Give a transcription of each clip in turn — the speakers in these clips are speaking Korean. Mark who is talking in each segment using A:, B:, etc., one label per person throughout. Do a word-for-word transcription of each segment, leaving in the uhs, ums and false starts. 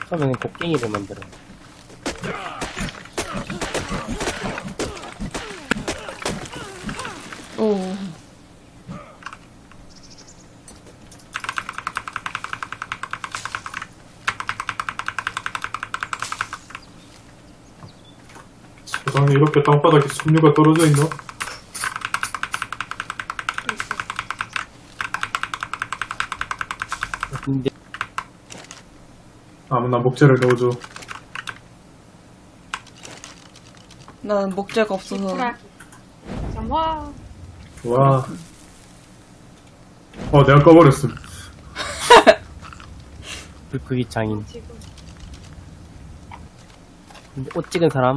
A: 처음에는 곡괭이를 만들어.
B: 오.
C: 세상에 이렇게 땅바닥에 섬유가 떨어져 있나?
A: 근데
C: 아무나 목재를 넣어줘.
B: 난 목재가 없어서.
D: 정화.
C: 와. 어, 내가 꺼버렸음.
A: 불크기 장인.
D: 지금
A: 근데 옷 찍은 사람?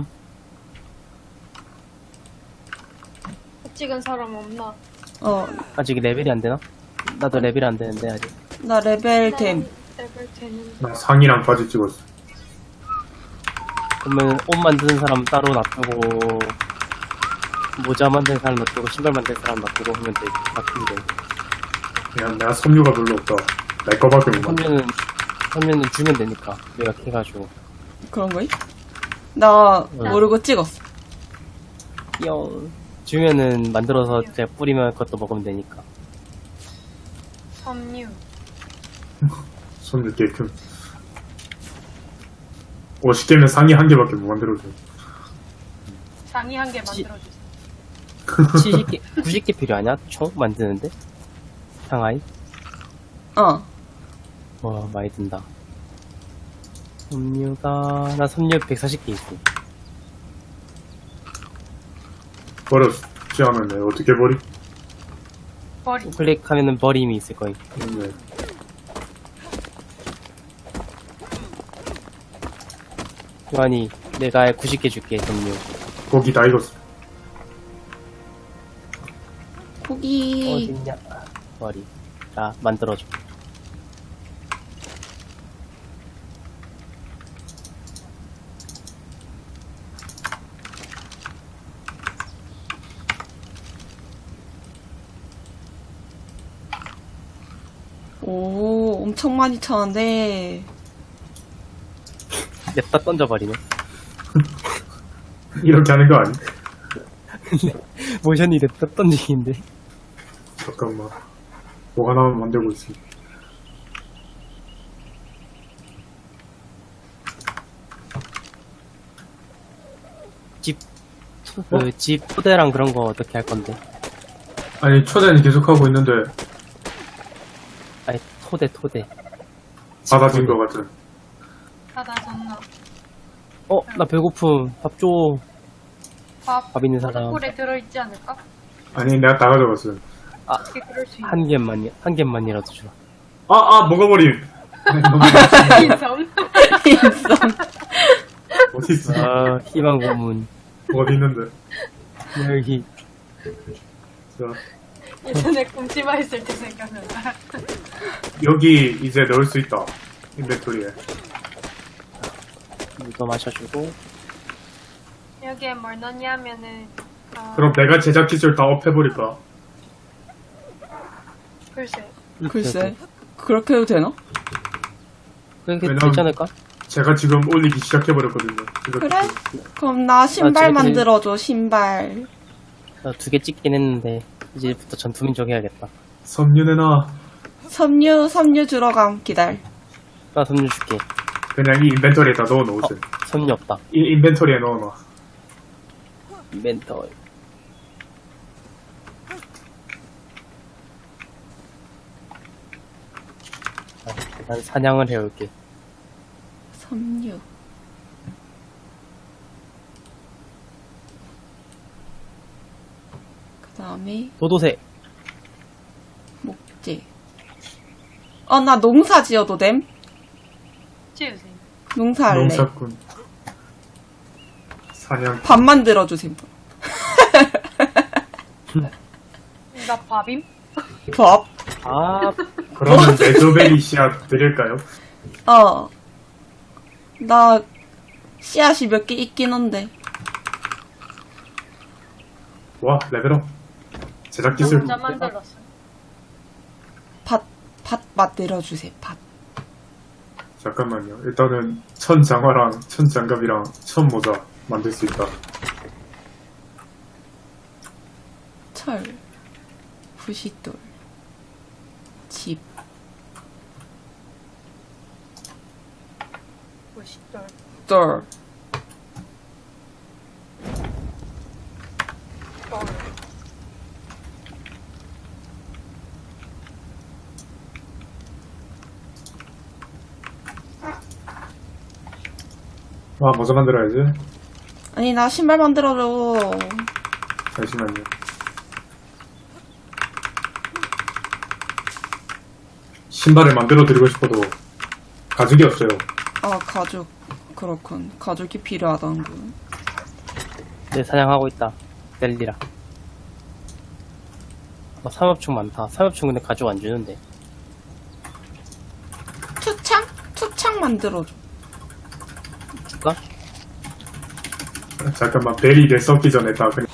D: 찍은 사람 없나?
B: 어,
A: 아직 레벨이 안 되나? 나도 레벨이 안 되는데 아직.
B: 나 레벨 됨.
D: 레벨 되는.
C: 나 상의랑 바지 찍었어.
A: 그러면 옷 만드는 사람 따로 놔두고 모자 만드는 사람 놔두고 신발 만드는 사람 놔두고 하면 돼. 바뀌면 돼.
C: 그냥 내가 섬유가 별로 없다. 내 거밖에 못 만들.
A: 선면은 선면은 주면 되니까 내가 캐가지고.
B: 그런 거이? 나 모르고 찍었어.
A: 영 주면은 만들어서 제가 뿌리면 그것도 먹으면 되니까.
D: 섬유.
C: 섬유 깨끔. 오십 개면 상의 한 개밖에 못 만들어줘.
D: 상의 한 개
A: 지-
D: 만들어주세요.
A: 칠십 개, 구십 개 필요하냐? 총 만드는데? 상하이?
B: 어.
A: 와 많이 든다. 섬유가 나 섬유 백사십 개 있어.
C: 버렸지 않았네. 어떻게 버리?
D: 머리.
A: 클릭하면은 버림이 있을 거임.
C: 네.
A: 요한이 내가 구십 개 줄게 섬유.
C: 고기 다 익었어.
B: 고기.
A: 어딨냐? 버리. 자 만들어줘.
B: 오, 엄청 많이 쳤는데.
A: 냅다 던져버리네.
C: 이렇게 하는 거 아니?
A: 모션이 냅다 던지기인데.
C: 잠깐만. 뭐 하나만 만들고 있어.
A: 집, 그, 집 토대랑 그런 거 어떻게 할 건데?
C: 아니, 초대는 계속 하고 있는데,
A: 아니, 토대, 토대.
C: 받아진 거 같은.
D: 받아줬나?
A: 어, 나 배고픔. 밥 줘.
D: 밥.
A: 밥 있는 사람.
D: 꿀에 들어있지 않을까?
C: 아니, 내가 다 가져갔어.
D: 어떻게 그럴 수 있나?
A: 한 개만, 한 개만이라도 줘.
C: 아, 아, 먹어버림!
D: 인성.
B: 인성.
C: 어디 있어?
A: 아, 희망 고문.
C: 어디 있는데?
A: 여기.
C: 자,
D: 예전에 꿈치마 했을 때 생각난다.
C: 여기 이제 넣을 수 있다. 인벤토리에.
A: 이거 마셔주고.
D: 여기에 뭘 넣냐면은 어,
C: 그럼 내가 제작 기술 다 업해버릴까?
D: 글쎄.
B: 글쎄. 그렇게 해도 되나?
A: 그게
C: 왜냐면-
A: 괜찮을까?
C: 제가 지금 올리기 시작해버렸거든요. 이거
B: 그래? 그럼 나 신발
A: 아, 쟤-
B: 만들어줘, 신발.
A: 나 두 개 찍긴 했는데, 이제부터 전투민족 해야겠다.
C: 섬유 내놔.
B: 섬유, 섬유 들어감, 기다려.
A: 나 섬유 줄게.
C: 그냥 이 인벤토리에다 넣어놓으세요.
A: 섬유 없다.
C: 이 인벤토리에 넣어놔.
A: 멘털. 난 사냥을 해올게.
B: 섬유. 그 다음에,
A: 도도새.
B: 목재. 어, 나 농사 지어도 됨?
D: 지우세요.
B: 농사할래.
C: 농사꾼. 사냥.
B: 밥 만들어주세요.
D: 나 밥임?
B: 밥.
A: 아,
C: 그러면 레저베리 씨앗 드릴까요?
B: 어. 나 씨앗이 몇 개 있긴 한데.
C: 와, 레벨업. 제작 기술.
D: 혼자 만들었어.
B: 밭, 밭 만들어주세요, 밭.
C: 자, 잠깐만요. 일단은 천 장화랑 천 장갑이랑 천 모자 만들 수 있다.
B: 철, 부싯돌, 집.
D: 멋있다.
B: 돌.
D: 어.
C: 아, 모자 만들어야지.
B: 아니, 나 신발 만들어줘.
C: 잠시만요. 신발을 만들어 드리고 싶어도 가죽이 없어요.
B: 아, 가죽. 그렇군. 가죽이 필요하다는군.
A: 내 사냥하고 있다. 넬리라. 어, 삼엽충 많다. 삼엽충 근데 가죽 안 주는데.
B: 투창? 투창 만들어줘.
A: 줄까?
C: 잠깐만, 베리를 썩기 전에 다 그냥.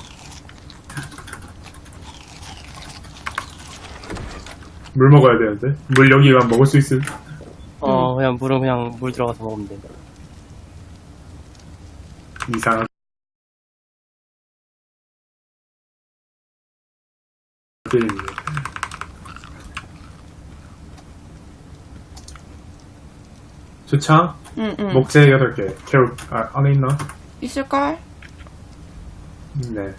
C: 물 먹어야 되는데? 물 여기가 먹을 수 있음?
A: 어, 그냥 물은 그냥 물 들어가서 먹으면 돼.
C: 이상한 게임이네. 주창?
B: 응, 응.
C: 목재 여덟 개. 캐롤, 아, 안에 있나?
B: 있을걸?
C: 네.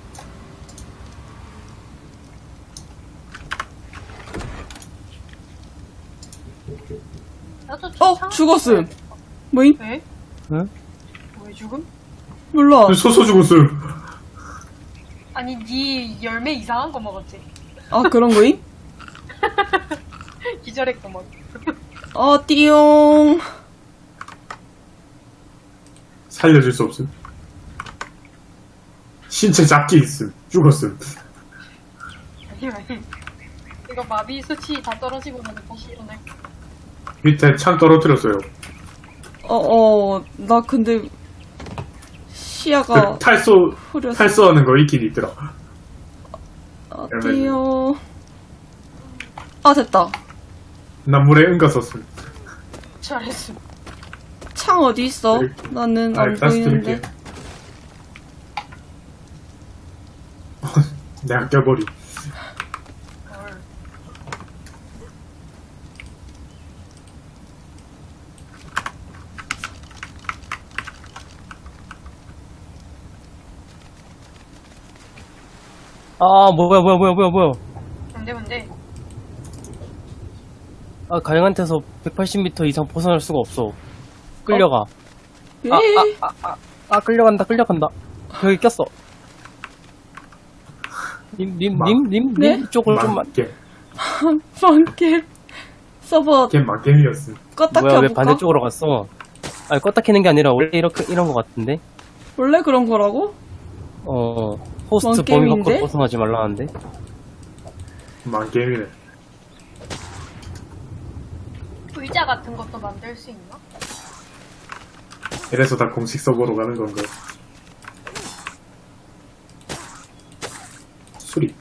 D: 나도
B: 어,
D: 참-
B: 죽었음. 뭐임?
D: 왜?
A: 응?
D: 왜 죽음?
B: 몰라.
C: 소소 죽었음.
D: 아니 니 열매 이상한 거 먹었지?
B: 아, 그런 거임?
D: 기절했고 막.
B: 어, 띠용.
C: 살려줄 수 없음. 신체 잡기 있음. 죽었음.
D: 아니 아니. 이거 마비 수치 다 떨어지고 나서 다시 일어날.
C: 밑에 창 떨어뜨렸어요.
B: 어, 어, 나 근데 시야가
C: 그 탈소,
B: 흐려서.
C: 탈소하는 거 있긴 있더라.
B: 어, 띠용. 아, 됐다.
C: 난 물에 응가 썼음.
D: 잘했음.
B: 창 어디 있어?
C: 드릴게요.
B: 나는
C: 아,
B: 안
C: 다시
B: 보이는데.
C: 드릴게요. 내가 껴버리.
D: 헐.
A: 아, 뭐야, 뭐야, 뭐야, 뭐야, 뭐야.
D: 뭔데 뭔데?
A: 아, 가영한테서 백팔십 미터 이상 벗어날 수가 없어. 끌려가.
B: 에?
A: 아, 아, 아, 아, 아, 끌려간다, 끌려간다. 여기 꼈어. 님, 님,
C: 마-
A: 님, 님,
B: 네?
A: 님 쪽을 좀만.
C: 망겜.
B: 방캠. 서버
C: 게임 망겜이었음.
B: 껐다
A: 뭐야, 왜
B: 켜볼까?
A: 반대쪽으로 갔어? 아니, 껐다 키는 게 아니라 원래 이렇게, 이런 거 같은데?
B: 원래 그런 거라고?
A: 어, 호스트
B: 뭔
A: 범위
B: 게임인데?
A: 밖으로 벗어나지 말라는데?
C: 망겜이네.
D: 의자 같은 것도 만들 수 있나?
C: 이래서 다 공식 서버로 가는 건가? 수리.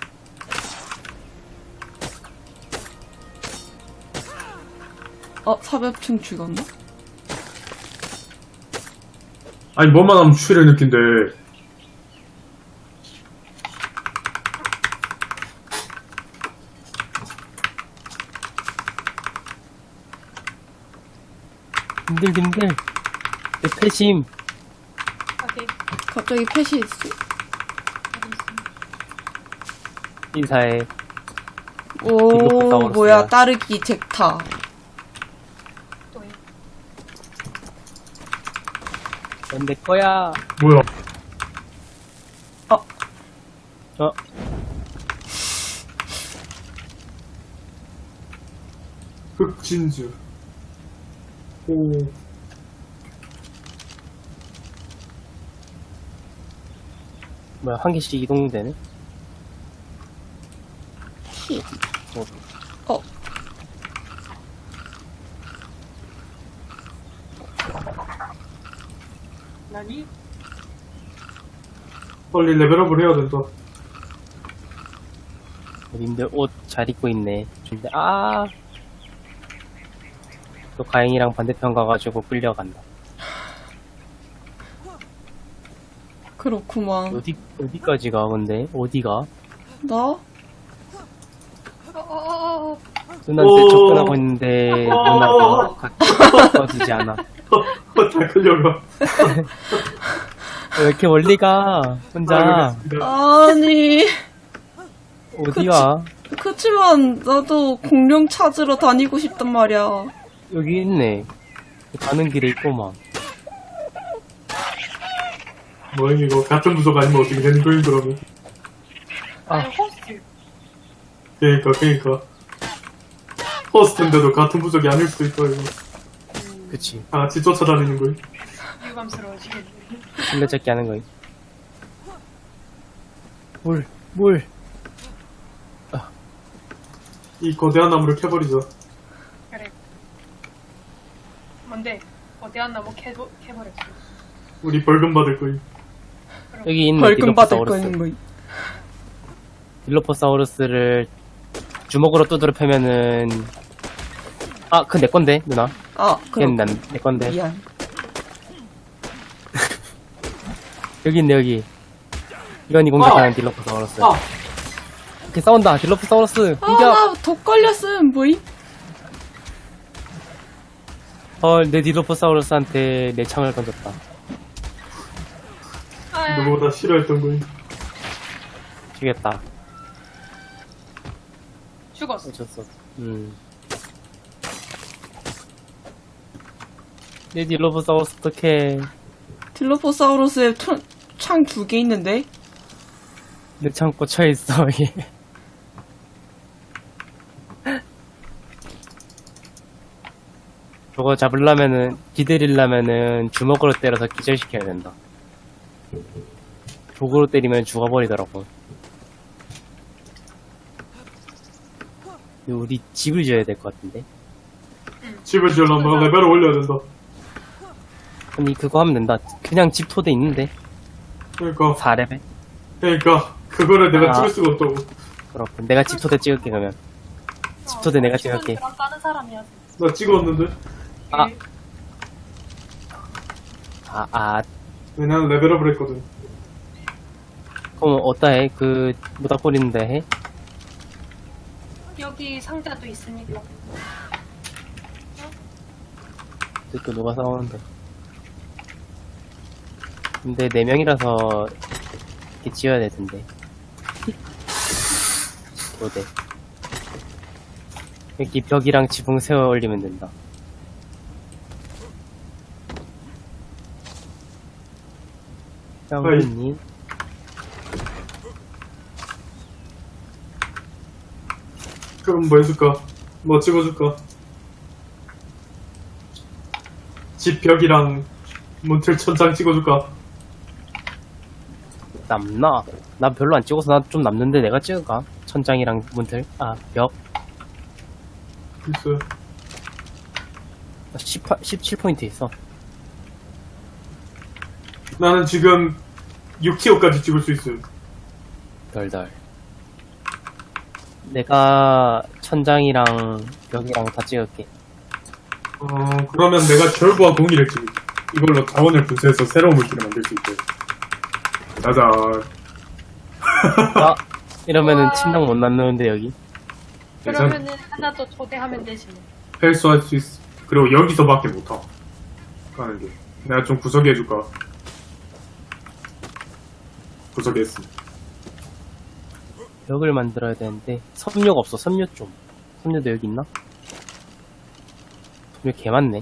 B: 어, 사벽층 죽었나?
C: 아니, 뭐만 하면 추위를 느낀대.
A: 님들, 님들. 내 패심.
D: 어디?
B: 갑자기 패시 있어.
D: 어디 있음?
A: 인사해.
B: 오,
A: 디노사우루스야.
B: 뭐야, 따르기 젝타.
D: 또 이.
A: 넌 내 거야.
C: 뭐야?
B: 어,
A: 어,
C: 흑진주. 오.
A: 뭐야, 한 개씩 이동되네?
B: 히.
A: 어,
B: 어,
D: 나니?
C: 빨리 레벨업을 해야 된다.
A: 님들 옷 잘 입고 있네. 근데, 아, 또 가행이랑 반대편 가가지고 끌려간다.
B: 그렇구만.
A: 어디, 어디까지 가, 근데? 어디가?
B: 나?
D: 어어어어.
A: 누나한테
C: 오.
A: 접근하고 있는데, 누나가 가까워지지 않아.
C: 어, 다 끌려가.
A: 왜 이렇게 멀리 가? 혼자.
C: 알겠습니다.
B: 아니,
A: 어디가?
B: 그치만 나도 공룡 찾으러 다니고 싶단 말이야.
A: 여기 있네. 가는 길에 있고만.
C: 뭐야 이거 같은 부속 아니면 어떻게 되는 거임 그러면?
D: 아니 호스트.
C: 그러니까 그러니까 호스트인데도 같은 부속이 아닐 수도 있고 이거
A: 그치.
C: 다 같이 쫓아다니는 거임.
D: 유감스러워지겠네.
A: 술래잡기 하는 거임. 물, 물.
C: 이 거대한 나무를 캐버리자.
D: 그래. 뭔데? 거대한 나무 캐 캐버렸어.
C: 우리 벌금 받을 거임.
A: 여기 있네.
B: 벌금 받을
A: 딜로포사우루스.
B: 거는 뭐.
A: 딜로포사우루스를 주먹으로 두드려 패면은, 아, 그 내 건데, 누나.
B: 아,
A: 걔는
B: 그럼
A: 난 내 건데.
B: 미안.
A: 여기 있네, 여기. 이건이 공격하는
C: 어.
A: 딜로포사우루스.
C: 아,
A: 이렇게 싸운다, 딜로포사우루스.
B: 아,
A: 공격!
B: 나 독 걸렸음, 뭐임?
A: 헐, 내 딜로포사우루스한테 내 창을 던졌다.
D: 아,
C: 누구보다 싫어했던 거임.
A: 죽였다.
D: 죽었어.
A: 어쩔 수 없어. 음. 내 딜로포사우루스 어떡해.
B: 딜로포사우루스에 창 두 개 있는데?
A: 내 창 꽂혀있어, 이게. 저거 잡으려면은, 기다리려면은 주먹으로 때려서 기절시켜야 된다. 도구로 때리면 죽어버리더라고. 우리 집을 지어야 될 것 같은데?
C: 집을 지으려면 레벨을 올려야 된다.
A: 아니, 그거 하면 된다. 그냥 집 토대 있는데?
C: 그러니까
A: 사 레벨?
C: 그러니까 그거를 내가
A: 아.
C: 찍을 수가 없다고.
A: 그렇군. 내가 집 토대 찍을게, 그러면. 집 토대 내가 찍을게.
D: 랑 까는 사람이야.
C: 나 찍었는데.
A: 아. 아, 아,
C: 왜냐면 레벨업을 했거든.
A: 그럼 어따 해? 그, 모닥 뿌리는데 해?
D: 여기 상자도 있으니까.
A: 또 누가 싸우는데. 근데 네 명이라서 이렇게 지어야 될 텐데. 도대. 여기 벽이랑 지붕 세워 올리면 된다. 짱구님.
C: 그럼 뭐 해줄까? 뭐 찍어줄까? 집 벽이랑 문틀 천장 찍어줄까?
A: 남나? 나 별로 안 찍어서 나 좀 남는데 내가 찍을까? 천장이랑 문틀? 아, 벽?
C: 글쎄.
A: 십팔, 십칠 포인트 있어.
C: 나는 지금 육 티어까지 찍을 수 있어요.
A: 덜덜. 내가 천장이랑 벽이랑 다 찍을게.
C: 어, 그러면 내가 결과 공기를 찍을게. 이걸로 자원을 분쇄해서 새로운 물질을 만들 수 있대. 짜잔.
A: 아, 이러면은
D: 와.
A: 침낭 못 낳는데 여기.
D: 그러면은 하나 더 초대하면 되지 뭐.
C: 헬스할 수 있어. 그리고 여기서밖에 못 타. 가는 게. 내가 좀 구석에 해줄까? 구석에 했어.
A: 벽을 만들어야 되는데 섬유가 없어. 섬유 좀. 섬유도 여기 있나? 섬유 개 많네.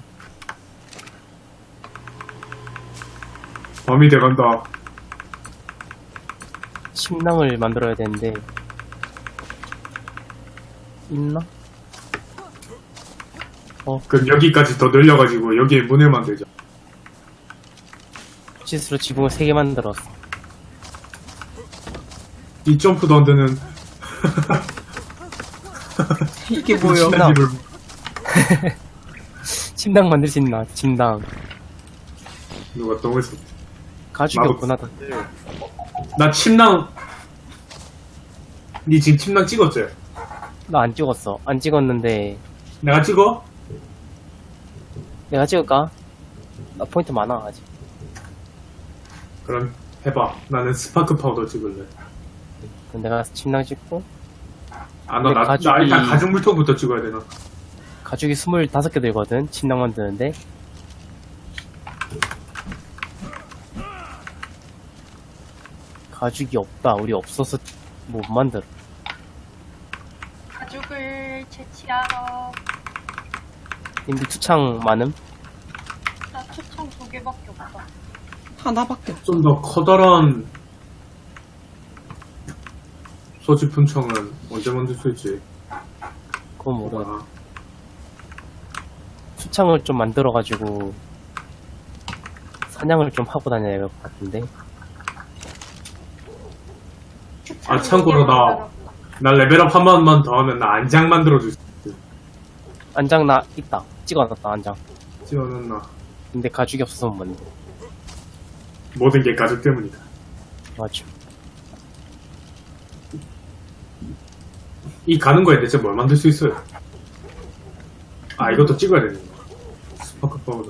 C: 밤이 돼간다.
A: 침낭을 만들어야 되는데 있나?
C: 그럼 여기까지 더 늘려가지고 여기에 문을 만들자.
A: 실수로 지붕을 세 개 만들었어.
C: 이 점프도 안 되는.
B: 이게 뭐야?
A: 침낭.
C: 집을.
A: 침낭 만들 수 있나? 침낭.
C: 누가 또 했어.
A: 가죽이
C: 나도-
A: 없구나 다들.
C: 나 침낭. 니 지금 침낭 찍었지?
A: 나 안 찍었어. 안 찍었는데
C: 내가 찍어?
A: 내가 찍을까? 나 포인트 많아, 아직.
C: 그럼 해봐. 나는 스파크 파우더 찍을래.
A: 그럼 내가 침낭 찍고,
C: 아, 너
A: 근데
C: 나, 나
A: 가죽이-
C: 일단 가죽 물통부터 찍어야 되나?
A: 가죽이 스물다섯 개 들거든? 침낭 만드는데. 가죽이 없다. 우리 없어서 못 만들어.
D: 가죽을 채취하러.
A: 님들 투창 많음?
D: 나 초청 두 개밖에 없다.
B: 하나밖에 없어.
C: 좀 더 커다란 소지품 청은 언제 만들 수 있지?
A: 그건 모르겠
C: 아,
A: 투창을 좀 만들어가지고, 사냥을 좀 하고 다녀야 될 것 같은데.
C: 아, 참고로 나, 나 레벨업 한 번만 더 하면 나 안장 만들어줄 수 있어.
A: 안장 나 있다. 찍어놨다, 안장.
C: 찍어놨나?
A: 근데 가죽이 없어서 못 만들.
C: 모든 게 가죽 때문이다.
A: 맞죠.
C: 이 가는 거에 대체 뭘 만들 수 있어요? 아, 이것도 찍어야 되는 거. 스파크 파우더.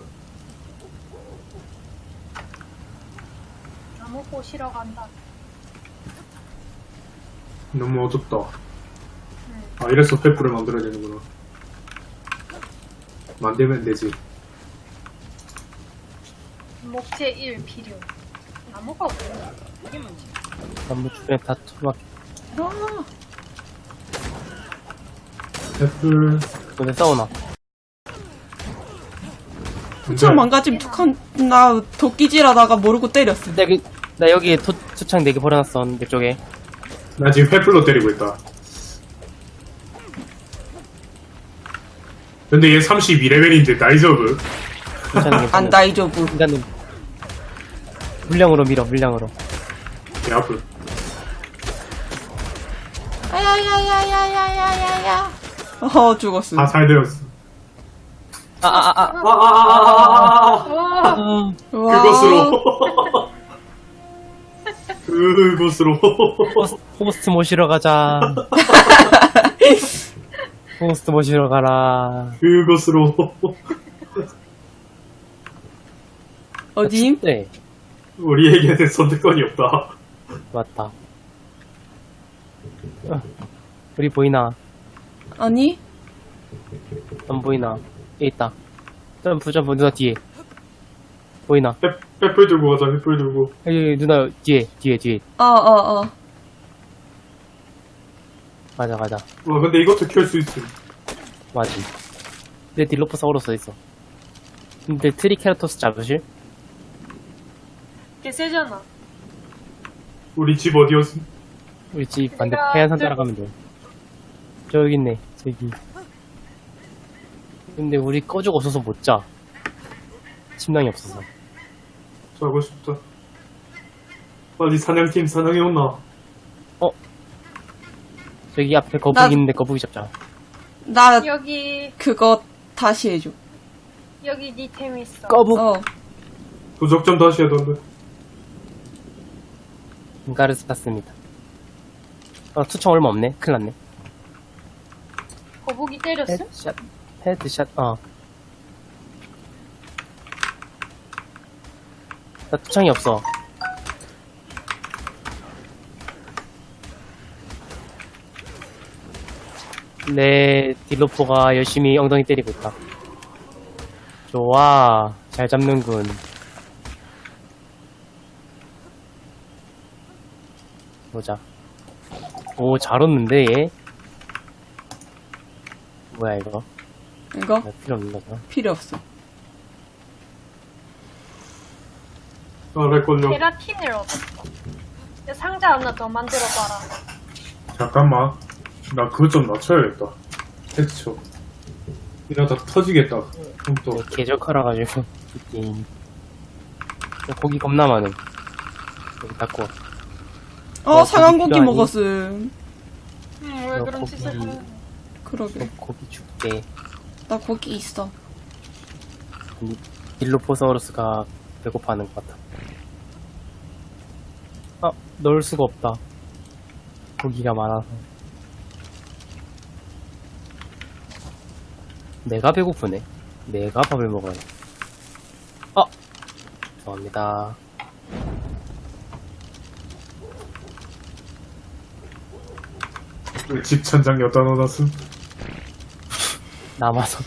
D: 나무 꼬시러 간다.
C: 너무 어둡다.
D: 응.
C: 아, 이래서 횃불을 만들어야 되는구나. 만들면 되지.
D: 목재 일 필요. 나무가 없네. 이게 뭐지?
A: 나무 주변에 다 토막.
B: 아,
C: 횃불.
A: 근데 싸우나?
B: 투창 망가짐 툭한, 나 도끼질하다가 모르고 때렸어.
A: 나 여기, 나 여기 토, 투창 네 개 버려놨어. 내 쪽에.
C: 나 지금 횃불로 때리고 있다. 근데 얘 삼십이 레벨인데 나이저브.
A: 괜찮은
B: 안
A: 괜찮은.
B: 다이조부.
A: 인간은 물량으로 밀어, 물량으로.
C: 개 아프.
B: 아야야야야야야야야. 어, 죽었어.
C: 다 살되었어.
A: 아, 아, 아, 아.
C: 아아아아아아
D: 와,
A: 아.
B: 우와.
C: 그것으로. 그것으로.
A: 호스- 호스트 모시러 가자. 호스트 모시러 가라.
C: 그것으로.
B: 어디?
A: 네,
C: 우리에게는 선택권이 없다.
A: 맞다. 어, 우리 보이나?
B: 아니?
A: 안 보이나? 여기 있다. 점프, 점프, 누나 뒤에. 보이나?
C: 횃- 횃불 들고 가자, 횃불 들고.
A: 여기, 여기 누나 뒤에, 뒤에, 뒤에.
B: 어, 어, 어.
A: 가자, 가자.
C: 와, 근데 이것도 켤 수 있음.
A: 맞지. 내 딜로포사우루스 있어. 근데 트리케라토스 잡으실?
D: 개 세잖아.
C: 우리 집 어디였음?
A: 우리 집 반대
D: 내가
A: 해안산
D: 들-
A: 따라가면 돼. 저기 있네, 저기. 근데 우리 꺼죽 없어서 못 자. 침낭이 없어서.
C: 자고 싶다. 빨리 사냥팀 사냥해 온나.
A: 저기 앞에 거북이
B: 나-
A: 있는데 거북이 잡자.
B: 나
D: 여기,
B: 그거 다시 해줘.
D: 여기 니 템 있어.
A: 거북!
B: 어.
C: 도적 좀 다시 해던데.
A: 인가르스 탔습니다. 어, 투청 얼마 없네. 큰일 났네.
D: 거북이 때렸어?
A: 헤드샷, 헤드샷, 어. 나 투창이 없어. 내 딜로포가 열심히 엉덩이 때리고 있다. 좋아. 잘 잡는군. 보자. 오, 잘 얻는데, 얘? 뭐야, 이거?
B: 이거?
A: 나 필요 없는 거죠.
B: 필요 없어.
C: 아, 렉 걸려.
D: 케라틴을 얻었어. 야, 상자 하나 더 만들어봐라.
C: 잠깐만. 나 그거 좀 낮춰야겠다. 텍스처. 이러다 터지겠다. 그럼 또.
A: 계절카라가지고, 이 게임. 고기 겁나 많음. 여기 닦고.
B: 어,
A: 어,
B: 상한고기
A: 고기
D: 응,
B: 먹었음.
D: 왜
A: 어,
D: 그런
A: 거북이.
D: 짓을 하는
B: 그러게.
A: 너 고기 줄게.
B: 나 고기 있어.
A: 딜로포사우루스가 배고파하는 것 같아. 아, 넣을 수가 없다. 고기가 많아서. 내가 배고프네. 내가 밥을 먹어야 돼. 어! 죄송합니다.
C: 왜 집 천장 여다 넣어놨음?
A: 남아서.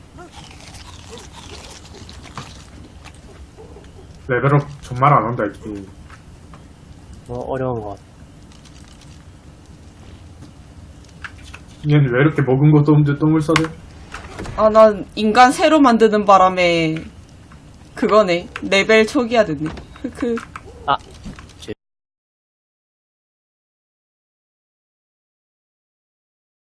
C: 레벨업 정말 안 한다, 이 게임.
A: 뭐, 어려운 것 같아.
C: 얘는 왜 이렇게 먹은 것도 없는데 똥을 싸대?
B: 아, 난 인간 새로 만드는 바람에 그거네. 레벨 초기화 됐네. 그
A: 아,